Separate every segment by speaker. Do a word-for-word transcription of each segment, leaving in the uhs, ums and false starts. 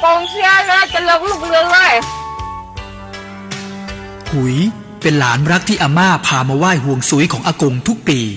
Speaker 1: ากงเสียเลยจะเลิกลูกเรือเลย
Speaker 2: หุยเป็นหลานรักที่อาม่าพามาไหว้ห่วงซุยของอากงทุกปี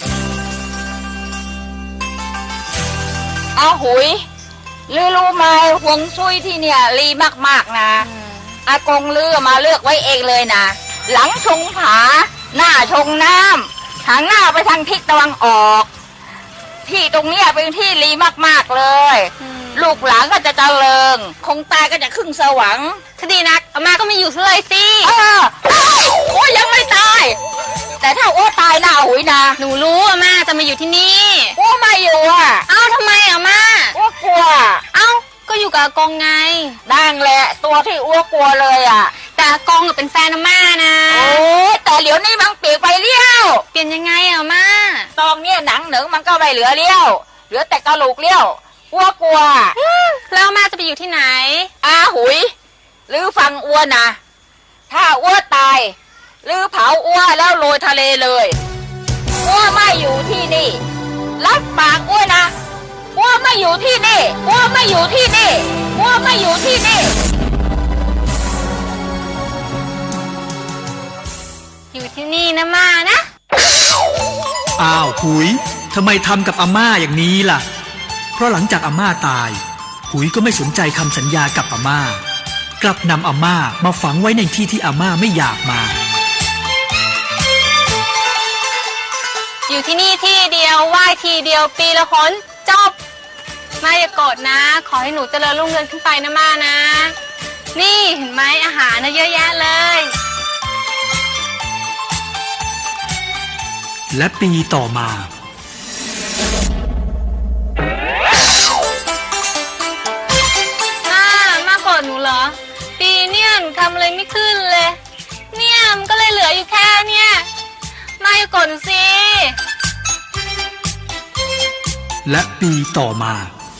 Speaker 1: อ้าวหุยลือรู้ไหมห่วงซุยที่เนี่ยรีมากๆนะอากงลือมาเลือกไว้เองเลยนะหลังชงผาหน้าชงน้ำทางหน้าไปทางทิศตะวันออกที่ตรงนี้เป็นที่รีมากๆเลยลูกหลานก็จะเจริญคงตายก็จะขึ้นสวรรค์คดีนักอาม่าก็ไม่อยู่เลยสิเออโอ้ยังไม่ตายแต่ถ้าโอ้ตายนะหุยนะ
Speaker 3: หนูรู้อาม่าจะมาอยู่ที่นี่
Speaker 1: โอ้ไม่อยู่อ่ะ
Speaker 3: เอ้าทำไมอาม่า
Speaker 1: โอ้กลัว
Speaker 3: เอ้าก็อยู่กับอากงไง
Speaker 1: นั่งแหละตัวที่อ้วกลัวเลยอ่ะ
Speaker 3: แต่อากงเป็นแฟนอาม่านะ
Speaker 1: โอ้แต่เดี๋ยวนี้มันเปลี่ยนไปเลี้ยว
Speaker 3: เปลี่ยนยังไงอาม่า
Speaker 1: ตอนนี้หนังหนึ่งมันก็ไม่เหลือเลี้ยวเหลือแต่กระโหลกเลี้ยวอ้วกลัว
Speaker 3: แล้วอาม่าจะไปอยู่ที่ไหน
Speaker 1: อาหุยหรือฟังอ้วนนะถ้าอ้วตายหรือเผาอ้วแล้วโรยทะเลเลยอ้วไม่อยู่ที่นี่รับปากอ้วนะอ้วไม่อยู่ที่นี่อ้วไม่อยู่ที่นี่อ้วไม่อยู่ที่นี่
Speaker 3: อยู่ที่นี่นะม่านะ
Speaker 2: อ้าวหุยทำไมทำกับอาม่าอย่างนี้ล่ะเพราะหลังจากอาม่าตายหุยก็ไม่สนใจคำสัญญากับอาม่ากลับนำอาม่ามาฝังไว้ในที่ที่อาม่าไม่อยากมา
Speaker 3: อยู่ที่นี่ที่เดียวไหว้ทีเดียวปีละคนจบม่าอย่าโกรธนะขอให้หนูเจริญรุ่งเรืองขึ้นไปนะม่านะนี่เห็นไหมอาหารนะเยอะแยะเลย
Speaker 2: และปีต่อมา
Speaker 3: ม่าม่าโกรธหนูเหรอปีเนี่ยหนูทำอะไรไม่ขึ้นเลยเนี่ยมันก็เลยเหลืออยู่แค่เนี่ยม่าอย่าโกรธหนูสิ
Speaker 2: และปีต่อมา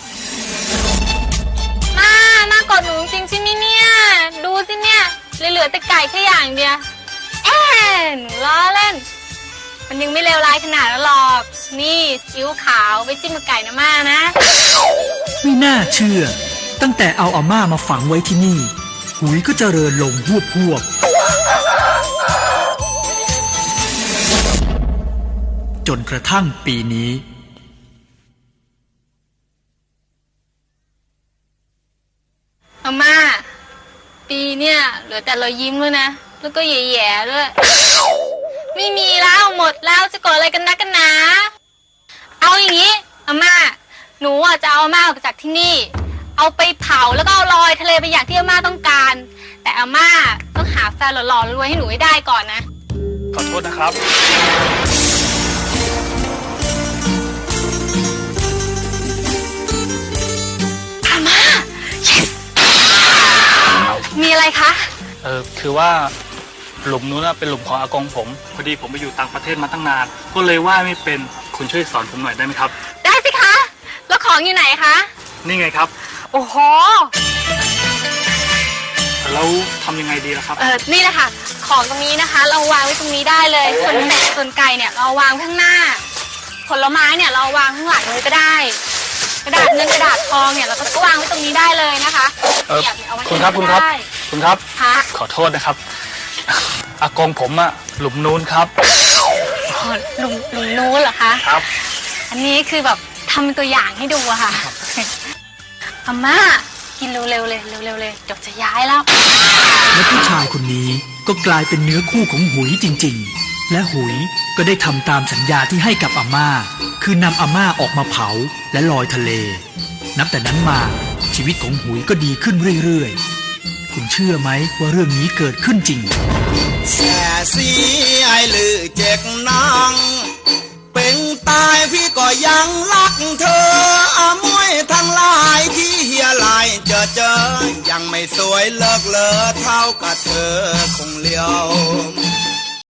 Speaker 3: ม่าม่าโกรธหนูจริงใช่ไหมเนี่ยดูสิเนี่ยเหลือแต่ไก่แค่อย่างเดียวเอ๊ะหนูล้อเล่นมันยังไม่เลวร้ายขนาดนั้นหรอกนี่ซีอิ๊วขาวไว้จิ้มกับไก่นะม่านะ
Speaker 2: ไม่น่าเชื่อตั้งแต่เอาอาม่ามาฝังไว้ที่นี่หุยก็เจริญลงหวบหวบจนกระทั่งปีนี้
Speaker 3: อาม่าปีเนี่ยเหลือแต่รอยยิ้มด้วยนะแล้วก็แย่ๆด้วยไม่มีแล้วหมดแล้วจะโกรธอะไรกันนักกันหนาเอาอย่างนี้อาม่าหนูอ่ะจะเอาอาม่าออกจากที่นี่เอาไปเผาแล้วก็เอาลอยทะเลไปอย่างที่อาม่าต้องการแต่อาม่าต้องหาแฟนหล่อๆรวยให้หนูให้ได้ก่อนนะ
Speaker 4: ขอโทษนะครับ
Speaker 3: อาม่า yes มีอะไรคะ
Speaker 4: เออคือว่าหลุมนู้นเป็นหลุมของอากงผมพอดีผมไปอยู่ต่างประเทศมาตั้งนานก็เลยว่าไม่เป็นคุณช่วยสอนผมหน่อยได้ไหมครับ
Speaker 3: ได้สิคะแล้วของอยู่ไหนคะ
Speaker 4: นี่ไงครับ
Speaker 3: โอ้โห
Speaker 4: แล้วทำยังไงดีล่ะครับ
Speaker 3: เออนี่แหละค่ะของตรงนี้นะคะเราวางไว้ตรงนี้ได้เลยส่วนเป็ดส่วนไก่เนี่ยเราวางข้างหน้าผลไม้เนี่ยเราวางข้างหลังเลยก็ได้กระดาษเงินกระดาษทองเนี่ยเราก็วางไว้ตรงนี้ได้เลยนะคะ
Speaker 4: เออคุณครับคุณครับคุณครับขอโทษนะครับอากงผมอะหลุมนู้นครับ
Speaker 3: อ๋อหลุมหลุมนู้นเหรอคะ
Speaker 4: ครับ
Speaker 3: อันนี้คือแบบทำเป็นตัวอย่างให้ดูอะค่ะอาม่ากินเร็วๆเลยเร็วๆเลยเดี๋ยวจะย้ายแล้ว
Speaker 2: และผู้ชายคนนี้ก็กลายเป็นเนื้อคู่ของหุยจริงๆและหุยก็ได้ทำตามสัญญาที่ให้กับอาม่าคือนำอาม่าออกมาเผาและลอยทะเลนับแต่นั้นมาชีวิตของหุยก็ดีขึ้นเรื่อยๆคุณเชื่อไหมว่าเรื่องนี้เกิดขึ้นจริง
Speaker 5: แส่สีไอลือเจ็กนางเป็นตายพี่ก็ยังรักเธออามวยทั้งหลายที่เฮียลายเจอเจอยังไม่สวยเลิกเลอเท่ากับเธอคงเลี้ยว